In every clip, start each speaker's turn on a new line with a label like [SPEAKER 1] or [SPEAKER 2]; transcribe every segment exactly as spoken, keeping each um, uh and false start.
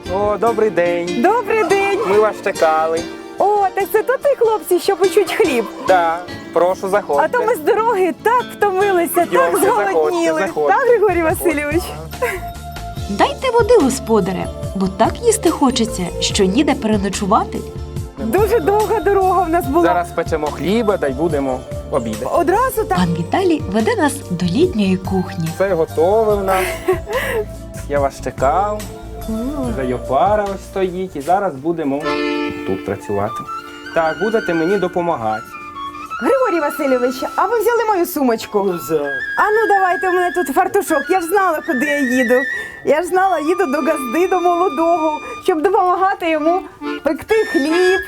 [SPEAKER 1] О, добрий день.
[SPEAKER 2] Добрий день!
[SPEAKER 1] Ми вас чекали.
[SPEAKER 2] О, так це то ти, хлопці, що печуть хліб.
[SPEAKER 1] Да, прошу, заходьте.
[SPEAKER 2] А то ми з дороги так втомилися, так
[SPEAKER 1] Йдемте,
[SPEAKER 2] зголодніли.
[SPEAKER 1] заходьте, заходьте.
[SPEAKER 2] Так, Григорій Васильович?
[SPEAKER 3] Дайте води, господаре, бо так їсти хочеться, що ніде переночувати.
[SPEAKER 2] Дуже довга дорога в нас була.
[SPEAKER 1] Зараз печемо хліба, та й будемо обідати.
[SPEAKER 2] Одразу так.
[SPEAKER 3] Пан Віталій веде нас до літньої кухні.
[SPEAKER 1] Все готове в нас. Я вас чекав. Вже й опара ось стоїть. І зараз будемо тут працювати. Так, будете мені допомагати.
[SPEAKER 2] Григорій Васильович, а ви взяли мою сумочку? А ну давайте, у мене тут фартушок. Я ж знала, куди я їду. Я ж знала, їду до газди, до молодого, щоб допомагати йому пекти хліб.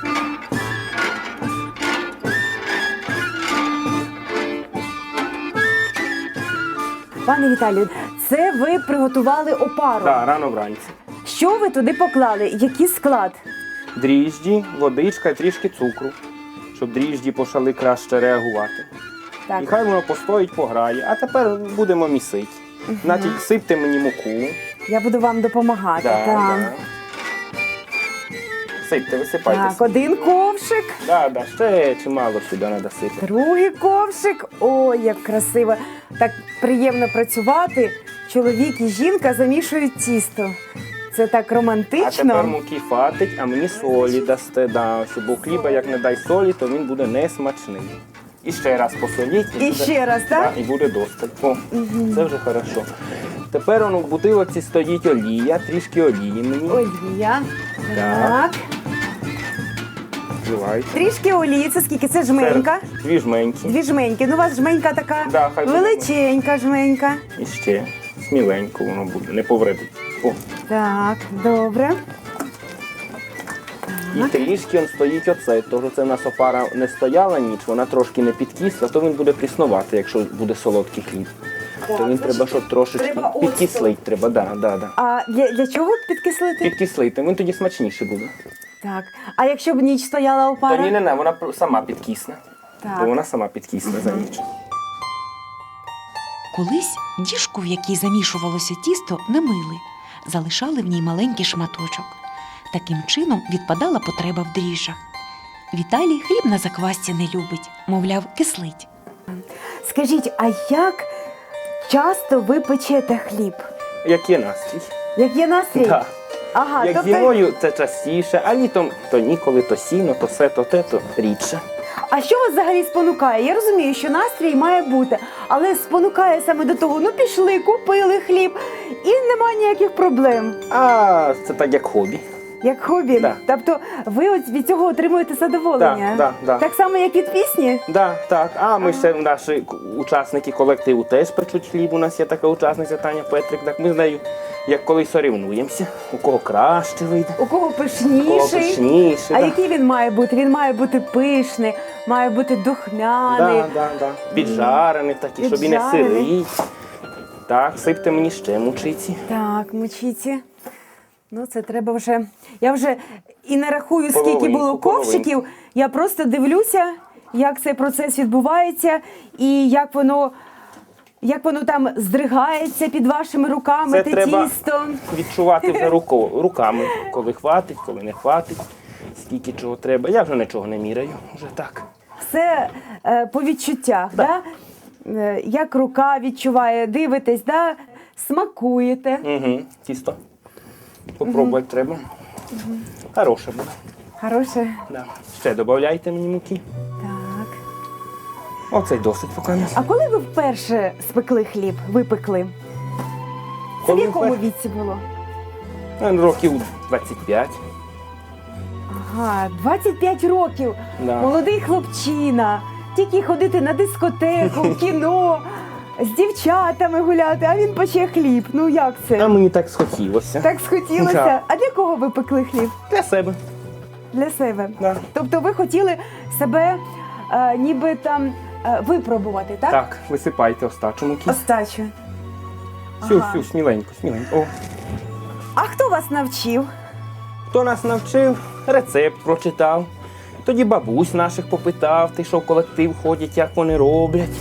[SPEAKER 2] Пане Віталію, це ви приготували опару.
[SPEAKER 1] Так, рано вранці.
[SPEAKER 2] Що ви туди поклали? Який склад?
[SPEAKER 1] Дріжджі, водичка і трішки цукру, щоб дріжджі почали краще реагувати.
[SPEAKER 2] Так.
[SPEAKER 1] І хай воно постоїть, пограє. А тепер будемо місити. Значить, сипте мені муку.
[SPEAKER 2] Я буду вам допомагати.
[SPEAKER 1] Да,
[SPEAKER 2] так.
[SPEAKER 1] да. Сипте, висипайте.
[SPEAKER 2] Так, один ковшик,
[SPEAKER 1] Да, да, ще чимало сюди треба сипати.
[SPEAKER 2] другий ковшик. Ой, як красиво. Так приємно працювати. Чоловік і жінка замішують тісто. Це так
[SPEAKER 1] А тепер
[SPEAKER 2] романтично.
[SPEAKER 1] муки фатить, а мені солі дасте. Да, щоб бо хліба, як не дай солі, то він буде несмачний. І ще раз посоліть.
[SPEAKER 2] І
[SPEAKER 1] буде-
[SPEAKER 2] ще раз, так?
[SPEAKER 1] Да, і буде достать. О, це вже хорошо. Тепер воно в бутилоці стоїть олія, трішки олії мені.
[SPEAKER 2] Олія.
[SPEAKER 1] Так.
[SPEAKER 2] Так.
[SPEAKER 1] Вливайте.
[SPEAKER 2] Трішки олії. Це скільки? Це жменька.
[SPEAKER 1] Це Дві жменьки.
[SPEAKER 2] Дві жменьки. Ну, у вас жменька така
[SPEAKER 1] Да, хай буде.
[SPEAKER 2] величенька жменька.
[SPEAKER 1] І ще сміленько воно буде, не повредить. О.
[SPEAKER 2] Так, добре.
[SPEAKER 1] І трішки он стоїть оцей, тому це в нас опара не стояла ніч, вона трошки не підкисла, то він буде пріснувати, якщо буде солодкий хліб. То він треба, щоб трошечки
[SPEAKER 2] треба оцту.
[SPEAKER 1] підкислить, треба, да, да, да.
[SPEAKER 2] А для, для чого підкислити?
[SPEAKER 1] Підкислити, він тоді смачніше буде.
[SPEAKER 2] Так. А якщо б ніч стояла опара?
[SPEAKER 1] То ні, не, не, вона пр- сама підкисне.
[SPEAKER 2] Так.
[SPEAKER 1] То вона сама підкисне за ніч.
[SPEAKER 3] Колись діжку, в якій замішувалося тісто, не мили. Залишали в ній маленький шматочок. Таким чином відпадала потреба в дріжджах. Віталій хліб на заквасці не любить, мовляв, кислить.
[SPEAKER 2] Скажіть, а як часто ви печете хліб?
[SPEAKER 1] Як є настрій.
[SPEAKER 2] Як є настрій?
[SPEAKER 1] Да.
[SPEAKER 2] Ага,
[SPEAKER 1] Як
[SPEAKER 2] тобто,
[SPEAKER 1] зимою це частіше, а літом то ніколи, то сіно, то все, то те, то рідше.
[SPEAKER 2] а що вас взагалі спонукає? Я розумію, що настрій має бути, але спонукає саме до того, ну пішли, купили хліб, і немає ніяких проблем.
[SPEAKER 1] А це так як хобі.
[SPEAKER 2] Як хобі.
[SPEAKER 1] Да.
[SPEAKER 2] Тобто ви от від цього отримуєте задоволення?
[SPEAKER 1] Да, да, да.
[SPEAKER 2] Так само, як від пісні?
[SPEAKER 1] Да, так. А ми ще наші к- учасники колективу теж печуть хліб. У нас є така учасниця Таня Петрик. Так ми з нею як колись сорівнуємося. У кого краще вийде,
[SPEAKER 2] У кого
[SPEAKER 1] у кого
[SPEAKER 2] пишніший?
[SPEAKER 1] пишніше.
[SPEAKER 2] А
[SPEAKER 1] да.
[SPEAKER 2] який він має бути? Він має бути пишний, має бути духмяний.
[SPEAKER 1] Да, да, да. Піджарений такий, щоб і не
[SPEAKER 2] Піджарений.
[SPEAKER 1] сирий. Так, сипте мені ще мучиці.
[SPEAKER 2] Так, мучиці. Ну, це треба вже. Я вже і не рахую, скільки
[SPEAKER 1] Половинку,
[SPEAKER 2] було
[SPEAKER 1] половинку.
[SPEAKER 2] ковшиків. Я просто дивлюся, як цей процес відбувається і як воно, як воно там здригається під вашими руками,
[SPEAKER 1] Це
[SPEAKER 2] те
[SPEAKER 1] треба
[SPEAKER 2] тісто.
[SPEAKER 1] відчувати вже руко, руками, коли хватить, коли не хватить, скільки чого треба. Я вже нічого не міряю, вже так.
[SPEAKER 2] Все е, по відчуттях, да.
[SPEAKER 1] Да.
[SPEAKER 2] Е, як рука відчуває, дивитесь, да? Смакуєте.
[SPEAKER 1] Угу. Тісто. Попробувати треба. Хороше буде.
[SPEAKER 2] Хороше.
[SPEAKER 1] Да. Ще додавайте мені муки.
[SPEAKER 2] Так.
[SPEAKER 1] Оце й досить поки.
[SPEAKER 2] А коли ви вперше спекли хліб, випекли? Це в
[SPEAKER 1] Коли
[SPEAKER 2] якому
[SPEAKER 1] вперше?
[SPEAKER 2] віці було?
[SPEAKER 1] Ну, років двадцять п'ять.
[SPEAKER 2] Ага, двадцять п'ять років.
[SPEAKER 1] Да.
[SPEAKER 2] Молодий хлопчина. Тільки ходити на дискотеку, в кіно, з дівчатами гуляти, а він пече хліб. Ну як
[SPEAKER 1] А
[SPEAKER 2] це?
[SPEAKER 1] мені так схотілося.
[SPEAKER 2] Так схотілося.
[SPEAKER 1] Да.
[SPEAKER 2] А для кого ви пекли хліб?
[SPEAKER 1] Для себе.
[SPEAKER 2] Для себе.
[SPEAKER 1] Да.
[SPEAKER 2] Тобто ви хотіли себе е, ніби там е, випробувати, так?
[SPEAKER 1] Так, висипайте остачу муки.
[SPEAKER 2] Остачу.
[SPEAKER 1] Всю,
[SPEAKER 2] Ага.
[SPEAKER 1] всю, сміленько, сміленько. О.
[SPEAKER 2] А хто вас навчив?
[SPEAKER 1] Хто нас навчив, рецепт прочитав. Тоді бабусь наших попитав, ти що в колектив ходять, як вони роблять.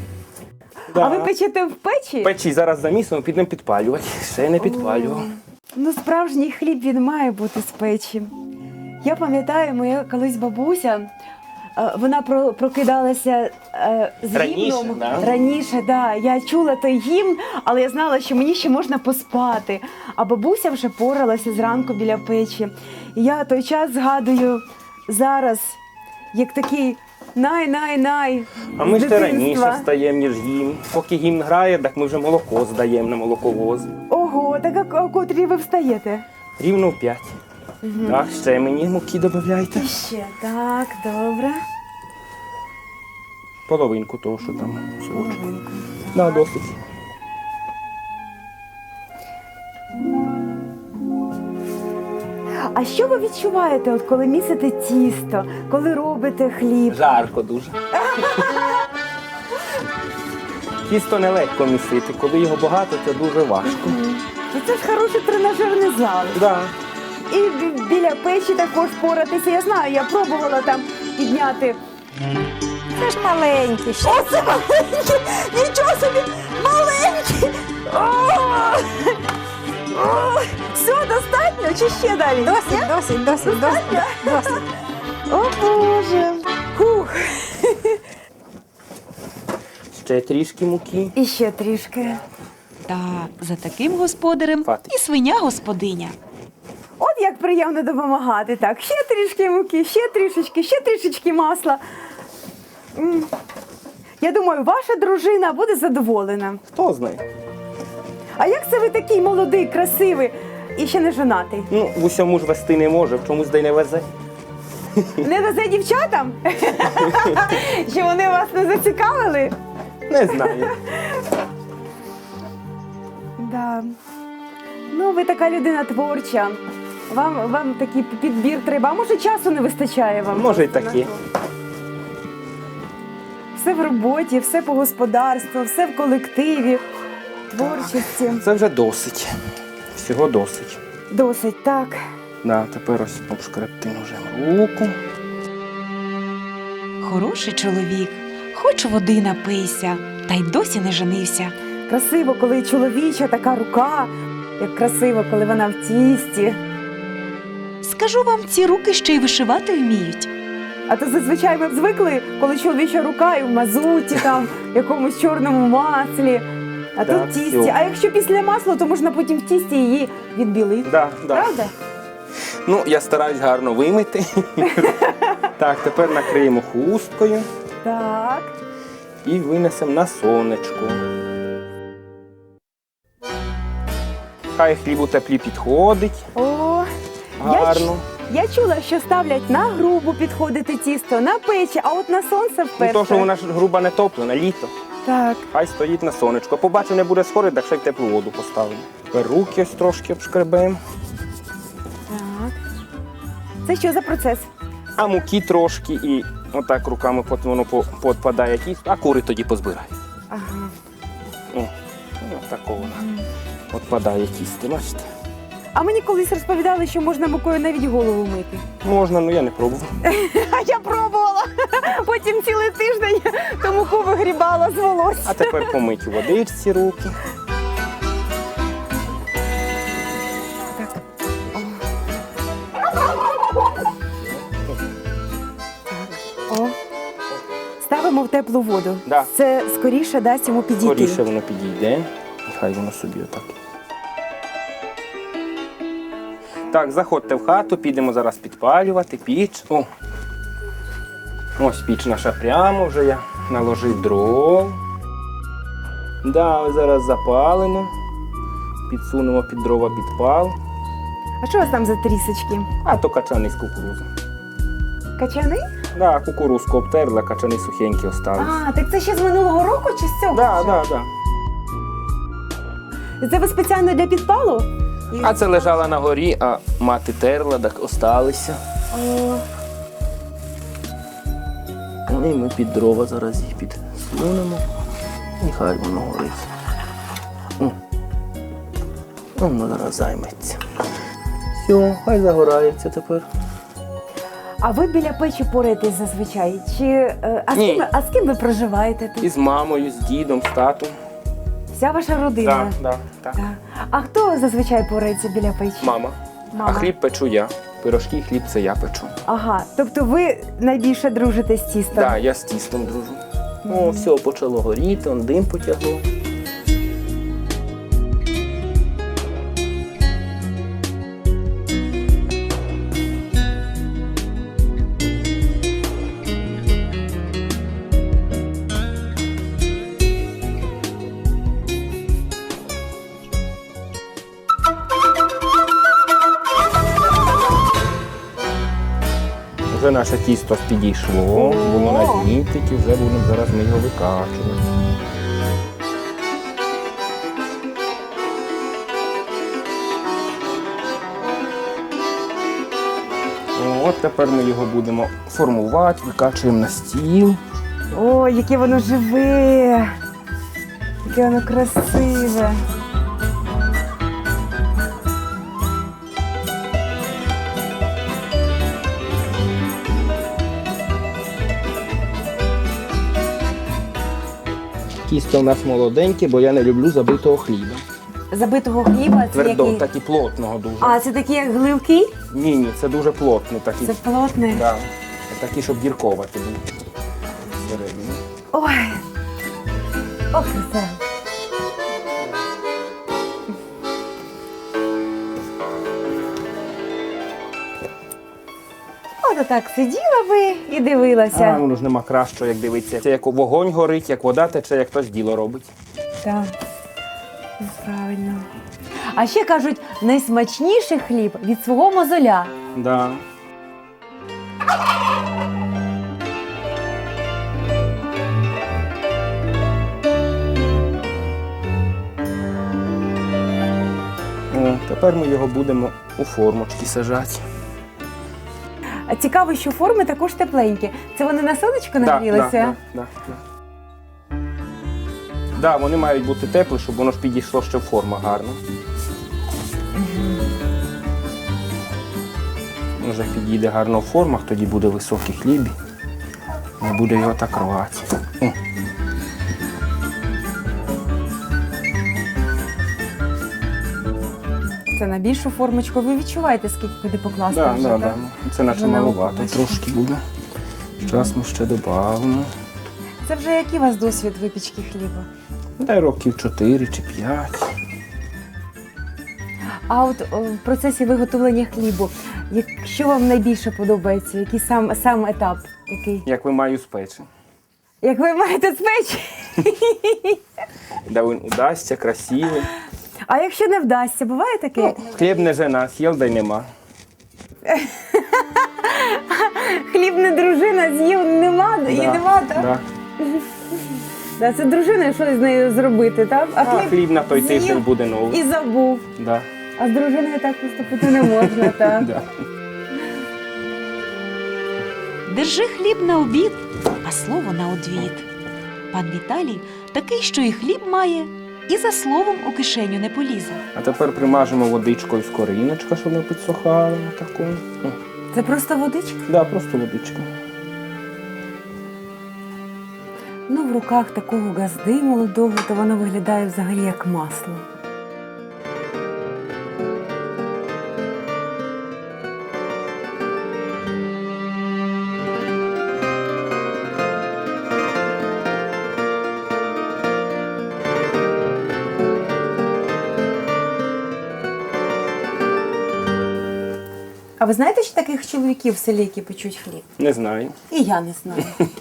[SPEAKER 2] А ви печете в печі?
[SPEAKER 1] Печі зараз замісимо, підемо підпалювати. Ще не підпалював.
[SPEAKER 2] Ну, справжній хліб, він має бути з печі. Я пам'ятаю, моя колись бабуся, е, вона про- прокидалася е, з
[SPEAKER 1] Раніше,
[SPEAKER 2] гімном.
[SPEAKER 1] да?
[SPEAKER 2] Раніше, да. Я чула той гімн, але я знала, що мені ще можна поспати. А бабуся вже поралася зранку біля печі. І я той час згадую зараз, як такий най-най-най.
[SPEAKER 1] А ми
[SPEAKER 2] з
[SPEAKER 1] ще раніше
[SPEAKER 2] дитинства.
[SPEAKER 1] встаємо, ніж гімн. Поки гімн грає, так ми вже молоко здаємо на молоковоз.
[SPEAKER 2] Ого, так а о котрій ви встаєте?
[SPEAKER 1] Рівно в п'ять. Так, ще мені муки додавайте.
[SPEAKER 2] І ще, так, добре.
[SPEAKER 1] Половинку того, що там. всього.
[SPEAKER 2] Половинку.
[SPEAKER 1] Да, досить.
[SPEAKER 2] А що ви відчуваєте, от коли місите тісто, коли робите хліб?
[SPEAKER 1] Жарко дуже. Тісто нелегко місити. Коли його багато, це дуже важко.
[SPEAKER 2] Ну, це ж хороший тренажерний зал.
[SPEAKER 1] Да.
[SPEAKER 2] І бі- біля печі також поратися. Я знаю, я пробувала там підняти.
[SPEAKER 4] Це ж маленький ще.
[SPEAKER 2] Оце маленький! Нічого собі! Маленький! О! О! Все, достатньо чи ще далі?
[SPEAKER 4] Досить, досить, досить, досить, досить.
[SPEAKER 2] О, Боже! Фух.
[SPEAKER 1] Ще трішки муки.
[SPEAKER 2] І ще трішки.
[SPEAKER 3] Та за таким господарем
[SPEAKER 1] Хватить.
[SPEAKER 3] і свиня господиня.
[SPEAKER 2] От як приємно допомагати. Так, ще трішки муки, ще трішечки, ще трішечки масла. М. Я думаю, ваша дружина буде задоволена.
[SPEAKER 1] Хто знає?
[SPEAKER 2] А як це ви такий молодий, красивий і ще не жонатий?
[SPEAKER 1] Ну, в усьому ж вести не може, в чомусь дай не везе.
[SPEAKER 2] Не везе дівчатам? Що вони вас не зацікавили?
[SPEAKER 1] Не знаю.
[SPEAKER 2] Да. Ну, ви така людина творча. Вам, вам такий підбір треба. А може, часу не вистачає вам?
[SPEAKER 1] Може, й
[SPEAKER 2] просто
[SPEAKER 1] таке.
[SPEAKER 2] на то? Все в роботі, все по господарству, все в колективі, творчості.
[SPEAKER 1] Це вже досить. Всього досить.
[SPEAKER 2] Досить, так.
[SPEAKER 1] Да, тепер ось обшкребти ножем руку.
[SPEAKER 3] Хороший чоловік, хоч води напийся, та й досі не женився.
[SPEAKER 2] Красиво, коли чоловіча така рука, як красиво, коли вона в тісті.
[SPEAKER 3] Скажу вам, ці руки ще й вишивати вміють.
[SPEAKER 2] А то зазвичай ми б звикли, коли чоловіча рука і в мазуті, там, в якомусь чорному маслі. А
[SPEAKER 1] Так,
[SPEAKER 2] тут в тісті.
[SPEAKER 1] всьо.
[SPEAKER 2] А якщо після масла, то можна потім в тісті її відбілити.
[SPEAKER 1] Да, да.
[SPEAKER 2] Правда?
[SPEAKER 1] Ну, я стараюсь гарно вимити. Так, тепер накриємо хусткою
[SPEAKER 2] Так.
[SPEAKER 1] і винесемо на сонечко. Хай хліб у теплі підходить.
[SPEAKER 2] О, я,
[SPEAKER 1] Гарно.
[SPEAKER 2] ч- я чула, що ставлять на грубу підходити тісто, на печі, а от на сонце
[SPEAKER 1] Ну,
[SPEAKER 2] вперше.
[SPEAKER 1] то, що вона ж груба не топлена, літо.
[SPEAKER 2] Так.
[SPEAKER 1] Хай стоїть на сонечко. Побачив, не буде сходити, так ще й в теплу воду поставимо. Тепер руки ось трошки обшкребемо.
[SPEAKER 2] Так. Це що за процес?
[SPEAKER 1] А муки трошки і отак руками потім воно по- подпадає тісто, а кури тоді позбирай.
[SPEAKER 2] Ага.
[SPEAKER 1] О, ну, такого воно відпадає тісто, бачите?
[SPEAKER 2] А мені колись розповідали, що можна мукою навіть голову мити.
[SPEAKER 1] Можна, ну я не пробував.
[SPEAKER 2] А я пробувала. Потім цілий тиждень ту муку вигрібала з волосся.
[SPEAKER 1] А тепер помить у водичці руки.
[SPEAKER 2] Так. О. О. Ставимо в теплу воду.
[SPEAKER 1] Да.
[SPEAKER 2] Це скоріше дасть йому підійти.
[SPEAKER 1] Скоріше воно підійде. І хай воно собі отак. Так, заходьте в хату, підемо зараз підпалювати піч. О. Ось піч наша прямо, вже я наложив дров. Да, ось зараз запалимо. Підсунемо під дрова підпал.
[SPEAKER 2] А що у вас там за трісочки?
[SPEAKER 1] А то качани з кукурудзи.
[SPEAKER 2] Качани?
[SPEAKER 1] Да, кукурузку обтерла, качани сухенькі остались.
[SPEAKER 2] А, так це ще з минулого року чи з цього?
[SPEAKER 1] Да,
[SPEAKER 2] вже?
[SPEAKER 1] да, да.
[SPEAKER 2] Це ви спеціально для підпалу?
[SPEAKER 1] А це лежала на горі, а мати терла, так осталися.
[SPEAKER 2] О,
[SPEAKER 1] Ну, і ми під дрова зараз їх підсунемо. І хай воно горить. О. Воно зараз займеться. Все, хай загорається тепер.
[SPEAKER 2] а ви біля печі пораєтесь зазвичай? Чи, е, а, з
[SPEAKER 1] Ні.
[SPEAKER 2] ким, ви- а з ким ви проживаєте тут?
[SPEAKER 1] І з мамою, з дідом, з татом.
[SPEAKER 2] Вся ваша родина.
[SPEAKER 1] Да, да, так.
[SPEAKER 2] Так. А хто зазвичай порається біля печі?
[SPEAKER 1] Мама.
[SPEAKER 2] Мама.
[SPEAKER 1] А хліб печу я. Пирожки і хліб це я печу.
[SPEAKER 2] Ага, тобто ви найбільше дружите з тістом?
[SPEAKER 1] Так, да, я з тістом дружу. О, все, почало горіти, он дим потягло. Вже наше тісто підійшло, воно нагріти, і вже будемо зараз ми його викачувати. От тепер ми його будемо формувати, викачуємо на стіл.
[SPEAKER 2] О, яке воно живе! Яке воно красиве!
[SPEAKER 1] Тісто у нас молоденьке, бо я не люблю забитого хліба.
[SPEAKER 2] Забитого хліба це
[SPEAKER 1] Твердо,
[SPEAKER 2] який?
[SPEAKER 1] так і плотного дуже.
[SPEAKER 2] А, це такі як гливки?
[SPEAKER 1] Ні, ні, це дуже плотний такий.
[SPEAKER 2] Це плотне?
[SPEAKER 1] Да. Такий, щоб дірковати був всередині.
[SPEAKER 2] Ой! Ох, це! От так сиділа би і дивилася.
[SPEAKER 1] А, воно ж нема кращого, як дивитися. Це як вогонь горить, як вода тече, як хтось діло робить.
[SPEAKER 2] Так, правильно. А ще кажуть, найсмачніший хліб від свого мозоля.
[SPEAKER 1] Да. О, тепер ми його будемо у формочки сажати.
[SPEAKER 2] А цікаво, що форми також тепленькі. Це вони на сонечко нагрілися?
[SPEAKER 1] Да, да, да, да. Да, вони мають бути теплі, щоб воно ж підійшло ще в форма гарно. Вже підійде гарно в формах, тоді буде високий хліб. Не буде його так рвати. О.
[SPEAKER 2] Це на більшу формочку. Ви відчуваєте, скільки куди покласти
[SPEAKER 1] Да,
[SPEAKER 2] вже,
[SPEAKER 1] да,
[SPEAKER 2] так?
[SPEAKER 1] да. Це наче
[SPEAKER 2] Вже на
[SPEAKER 1] маловато
[SPEAKER 2] око
[SPEAKER 1] трошки буде. Зараз ми ще додамо.
[SPEAKER 2] Це вже який у вас досвід випічки хліба?
[SPEAKER 1] Дай років чотири чи п'ять.
[SPEAKER 2] А от о, в процесі виготовлення хлібу, як- що вам найбільше подобається? Який сам, сам етап? Який?
[SPEAKER 1] Як ви маю спечі.
[SPEAKER 2] Як ви маєте спечі?
[SPEAKER 1] Да він удасться, красивий.
[SPEAKER 2] А якщо не вдасться, буває таке?
[SPEAKER 1] Хліб не жена, з'їв, да й нема.
[SPEAKER 2] Хліб не дружина, з'їв нема, і
[SPEAKER 1] Да,
[SPEAKER 2] нема, так?
[SPEAKER 1] да.
[SPEAKER 2] Да, це дружина, що з нею зробити, так?
[SPEAKER 1] А хліб на той
[SPEAKER 2] з'їв
[SPEAKER 1] тиждень буде новий.
[SPEAKER 2] і забув.
[SPEAKER 1] Да.
[SPEAKER 2] А з дружиною так поступити не можна, так?
[SPEAKER 1] Да.
[SPEAKER 3] Держи хліб на обід, а слово на одвід. Пан Віталій такий, що і хліб має, і за словом у кишеню не полізе.
[SPEAKER 1] А тепер примажемо водичкою з коріночка, щоб не підсохало. Таку. О,
[SPEAKER 2] Це просто водичка?
[SPEAKER 1] да, просто водичка.
[SPEAKER 2] Ну, в руках такого газди молодого, то воно виглядає взагалі як масло. А ви знаєте, що таких чоловіків в селі, які печуть хліб?
[SPEAKER 1] Не знаю.
[SPEAKER 2] І я не знаю.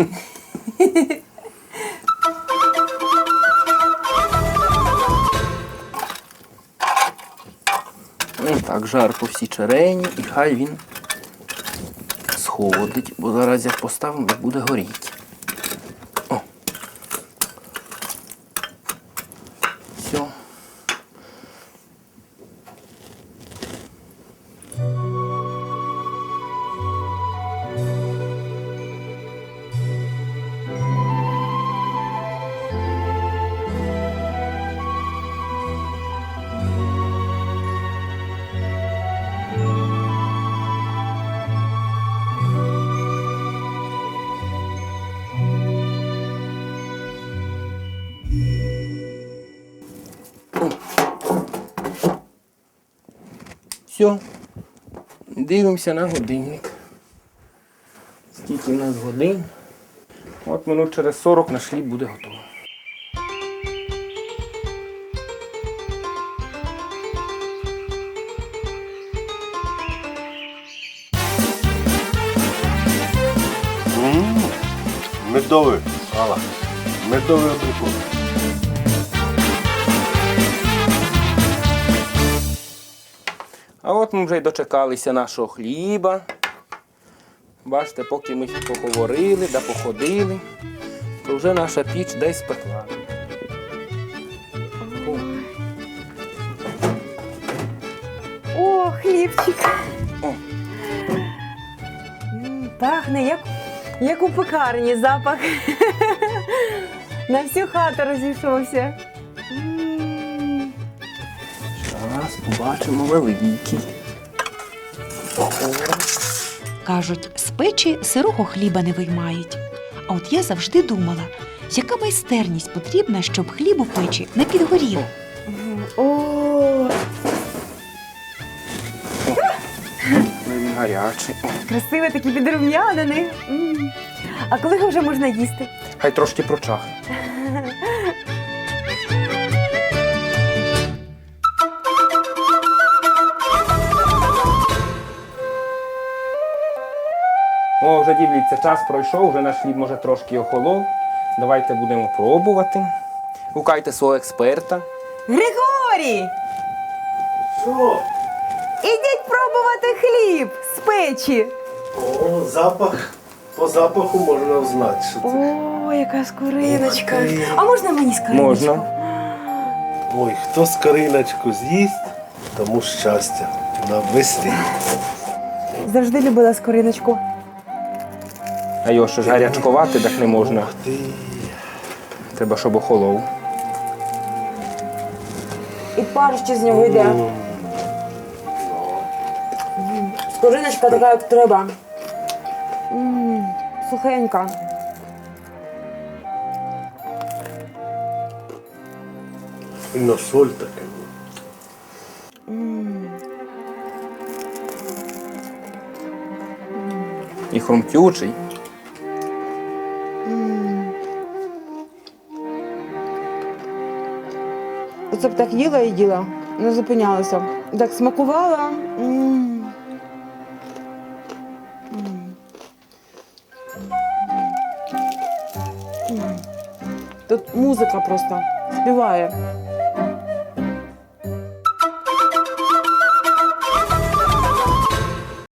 [SPEAKER 1] Ну так, жар по всій черені, і хай він сходить, бо зараз як поставимо, буде горіти. О. Все. Все. Дивимося на годинник. Скільки в нас годин? От минут через сорок наш хліб буде готовий.
[SPEAKER 5] М, Медовий, Алла. Медовий абрикос.
[SPEAKER 1] А от ми вже й дочекалися нашого хліба. Бачите, поки ми поговорили да походили, то вже наша піч десь спекла.
[SPEAKER 2] О, хлібчик.
[SPEAKER 1] О.
[SPEAKER 2] М, Пахне, як, як у пекарні запах. На всю хату розійшовся. М.
[SPEAKER 1] Зараз побачимо великий.
[SPEAKER 3] Кажуть, з печі сирого хліба не виймають. А от я завжди думала, яка майстерність потрібна, щоб хліб у печі не підгорів.
[SPEAKER 2] О,
[SPEAKER 1] Він гарячий. О,
[SPEAKER 2] красивий такий підрум'янений. М. А коли його вже можна їсти?
[SPEAKER 1] хай трошки прочахне. О, вже дивіться, час пройшов, вже наш хліб може трошки охолов. Давайте будемо пробувати. Гукайте свого експерта.
[SPEAKER 2] Григорій!
[SPEAKER 5] Що?
[SPEAKER 2] Ідіть пробувати хліб з печі.
[SPEAKER 5] О, запах. По запаху можна взнати, що це.
[SPEAKER 2] О, яка скориночка.
[SPEAKER 5] Ух ти.
[SPEAKER 2] А можна мені скориночку?
[SPEAKER 1] Можна.
[SPEAKER 5] Ой, хто скориночку з'їсть, тому щастя на весні.
[SPEAKER 2] Завжди любила скориночку.
[SPEAKER 1] А його ще ж гарячкувати, так не можна.
[SPEAKER 5] Ух ти.
[SPEAKER 1] Треба, щоб охолов.
[SPEAKER 2] І пар ще з нього йде. Скориночка така, як треба. М, Сухенька.
[SPEAKER 5] І на соль таке.
[SPEAKER 1] І хрумтючий.
[SPEAKER 2] Оце б так їла і їла, не зупинялася. Так смакувала. М. М. М. Тут музика просто співає.